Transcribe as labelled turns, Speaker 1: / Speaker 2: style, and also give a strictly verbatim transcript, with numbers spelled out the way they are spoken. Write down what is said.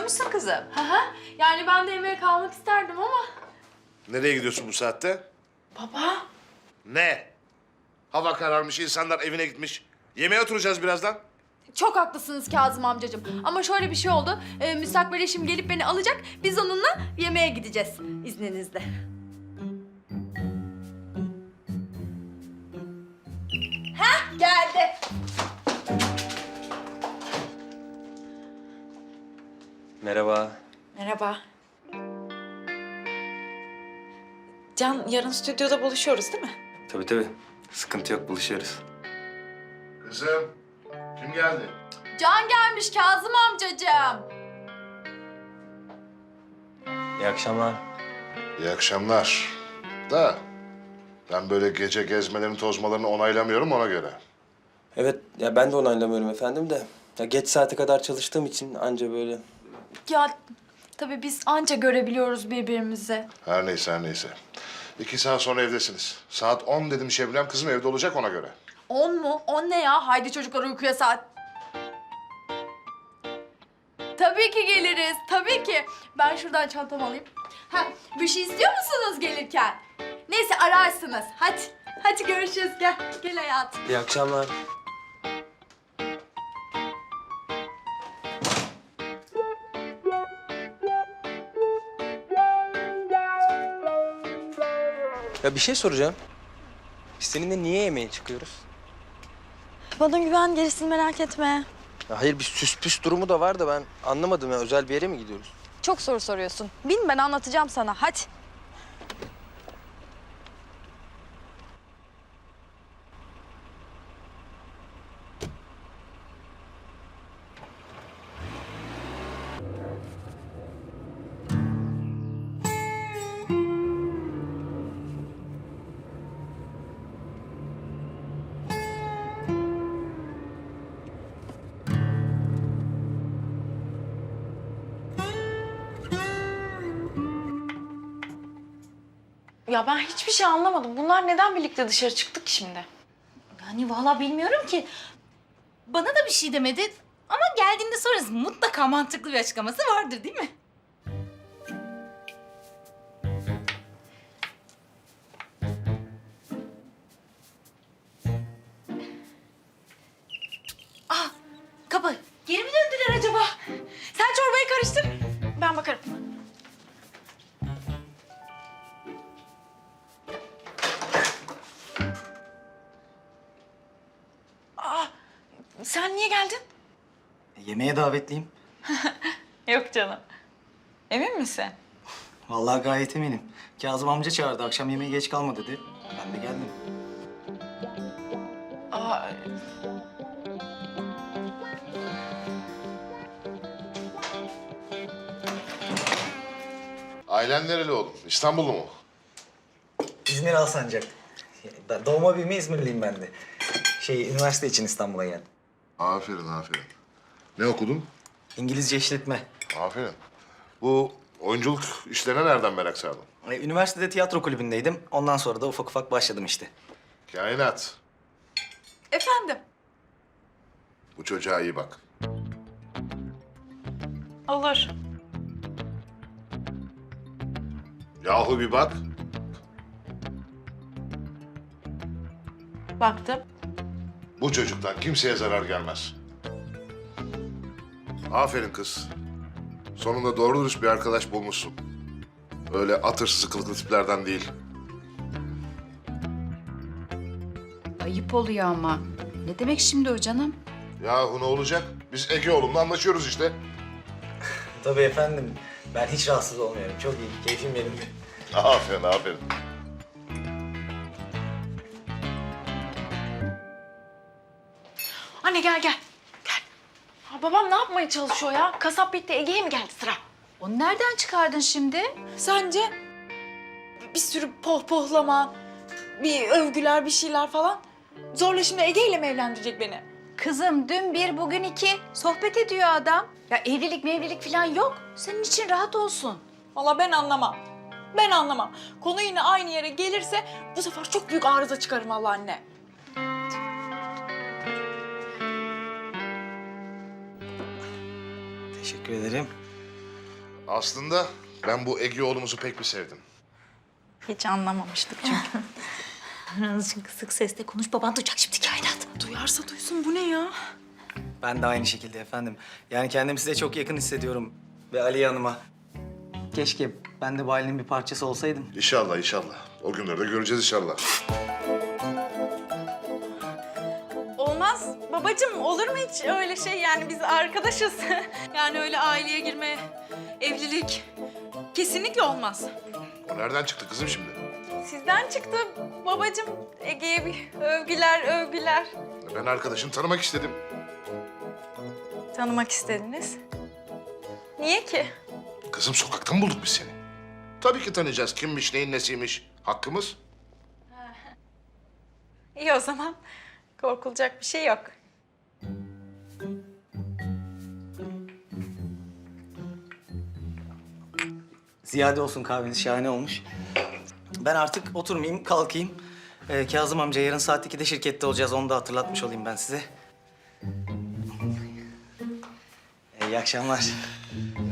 Speaker 1: musun kızım?
Speaker 2: Hı hı. Yani ben de yemeğe kalmak isterdim ama...
Speaker 3: Nereye gidiyorsun bu saatte?
Speaker 2: Baba.
Speaker 3: Ne? Hava kararmış, insanlar evine gitmiş. Yemeğe oturacağız birazdan.
Speaker 2: Çok haklısınız Kazım amcacığım. Ama şöyle bir şey oldu. Ee, müstakbel eşim gelip beni alacak. Biz onunla yemeğe gideceğiz izninizle. Hah, geldi.
Speaker 4: Merhaba.
Speaker 1: Merhaba. Can, yarın stüdyoda buluşuyoruz değil mi?
Speaker 4: Tabii tabii. Sıkıntı yok, buluşuyoruz.
Speaker 3: Kızım, kim geldi?
Speaker 2: Can gelmiş Kazım amcacığım.
Speaker 4: İyi akşamlar.
Speaker 3: İyi akşamlar. Da ben böyle gece gezmelerini, tozmalarını onaylamıyorum ona göre.
Speaker 4: Evet, ya ben de onaylamıyorum efendim de. Ya geç saate kadar çalıştığım için anca böyle.
Speaker 2: Ya tabii biz anca görebiliyoruz birbirimizi.
Speaker 3: Her neyse, her neyse. İki saat sonra evdesiniz. Saat on dedim Şebnem, kızım evde olacak ona göre.
Speaker 2: On mu? On ne ya? Haydi çocuklar uykuya saat. Tabii ki geliriz, tabii ki. Ben şuradan çantamı alayım. Ha, bir şey istiyor musunuz gelirken? Neyse ararsınız. Hadi, hadi görüşürüz. Gel, gel hayatım.
Speaker 4: İyi akşamlar. Ya bir şey soracağım. Biz seninle niye yemeğe çıkıyoruz?
Speaker 1: Bana güven, gerisini merak etme.
Speaker 4: Ya hayır, bir süs püs durumu da var da ben anlamadım ya. Özel bir yere mi gidiyoruz?
Speaker 1: Çok soru soruyorsun. Bin, ben anlatacağım sana. Hadi. Ya ben hiçbir şey anlamadım. Bunlar neden birlikte dışarı çıktık şimdi?
Speaker 5: Yani vallahi bilmiyorum ki. Bana da bir şey demedi ama geldiğinde sorarız. Mutlaka mantıklı bir açıklaması vardır değil mi? Ah, kapı. Geri mi döndüler acaba? Sen çorbayı karıştır.
Speaker 1: Ben bakarım. Aa, sen niye geldin?
Speaker 6: Yemeğe davetliyim.
Speaker 1: Yok canım. Emin misin?
Speaker 6: Vallahi gayet eminim. Kazım amca çağırdı. Akşam yemeğe geç kalma dedi. Ben de geldim.
Speaker 1: Aa,
Speaker 3: Ailen nereli oğlum? İstanbullu mu?
Speaker 6: İzmir Alsancak. Da- Doğma büyüme İzmirliyim ben de. Şey, üniversite için İstanbul'a geldim.
Speaker 3: Aferin, aferin. Ne okudun?
Speaker 6: İngilizce işletme.
Speaker 3: Aferin. Bu oyunculuk işlerine nereden merak sardın?
Speaker 6: E, Üniversitede tiyatro kulübündeydim. Ondan sonra da ufak ufak başladım işte.
Speaker 3: Kainat.
Speaker 2: Efendim?
Speaker 3: Bu çocuğa iyi bak.
Speaker 1: olur.
Speaker 3: Yahu bir bak.
Speaker 1: Baktım.
Speaker 3: Bu çocuktan kimseye zarar gelmez. Aferin kız. Sonunda doğru dürüst bir arkadaş bulmuşsun. Öyle atırsız kılıklı tiplerden değil.
Speaker 5: Ayıp oluyor ama. Ne demek şimdi o canım?
Speaker 3: Yahu ne olacak? Biz Ege oğlumla anlaşıyoruz işte.
Speaker 6: Tabii efendim. Ben hiç rahatsız olmuyorum. Çok iyi. Keyfim yerinde.
Speaker 3: Aferin, aferin.
Speaker 1: Anne gel gel. Gel. Ha, babam ne yapmaya çalışıyor ya? Kasap bitti, Ege'ye mi geldi sıra?
Speaker 5: Onu nereden çıkardın şimdi?
Speaker 1: Sence? Bir sürü pohpohlama, bir övgüler, bir şeyler falan. Zorla şimdi Ege ile mi evlendirecek beni?
Speaker 5: Kızım dün bir bugün iki sohbet ediyor adam. Ya evlilik mevlilik falan yok. Senin için rahat olsun.
Speaker 1: Vallahi ben anlamam. Ben anlamam. Konu yine aynı yere gelirse bu sefer çok büyük arıza çıkarım Allah anne.
Speaker 6: Teşekkür ederim.
Speaker 3: Aslında ben bu Ege oğlumuzu pek bir sevdim.
Speaker 1: Hiç anlamamıştık çünkü.
Speaker 5: Azıcık kısık sesle konuş. Baban duyacak şimdi kainat.
Speaker 1: Duyarsa duysun bu ne ya?
Speaker 6: Ben de aynı şekilde efendim. Yani kendimi size çok yakın hissediyorum. Ve Aliye Hanım'a. Keşke ben de bu ailenin bir parçası olsaydım.
Speaker 3: İnşallah inşallah. O günleri de göreceğiz inşallah.
Speaker 1: Olmaz babacığım, olur mu hiç öyle şey? Yani biz arkadaşız. Yani öyle aileye girme, evlilik kesinlikle olmaz.
Speaker 3: O nereden çıktı kızım şimdi?
Speaker 1: Sizden çıktı babacığım. Ege'ye bir övgüler, övgüler.
Speaker 3: Ben arkadaşını tanımak istedim.
Speaker 1: Tanımak istediniz. Niye ki?
Speaker 3: Kızım sokaktan bulduk biz seni. Tabii ki tanıyacağız. Kimmiş, neyin nesiymiş. Hakkımız.
Speaker 1: İyi o zaman. Korkulacak bir şey yok.
Speaker 6: Ziyade olsun kahveniz, şahane olmuş. Ben artık oturmayayım, kalkayım. Ee, Kazım amca yarın saat ikide şirkette olacağız. Onu da hatırlatmış olayım ben size. İyi akşamlar.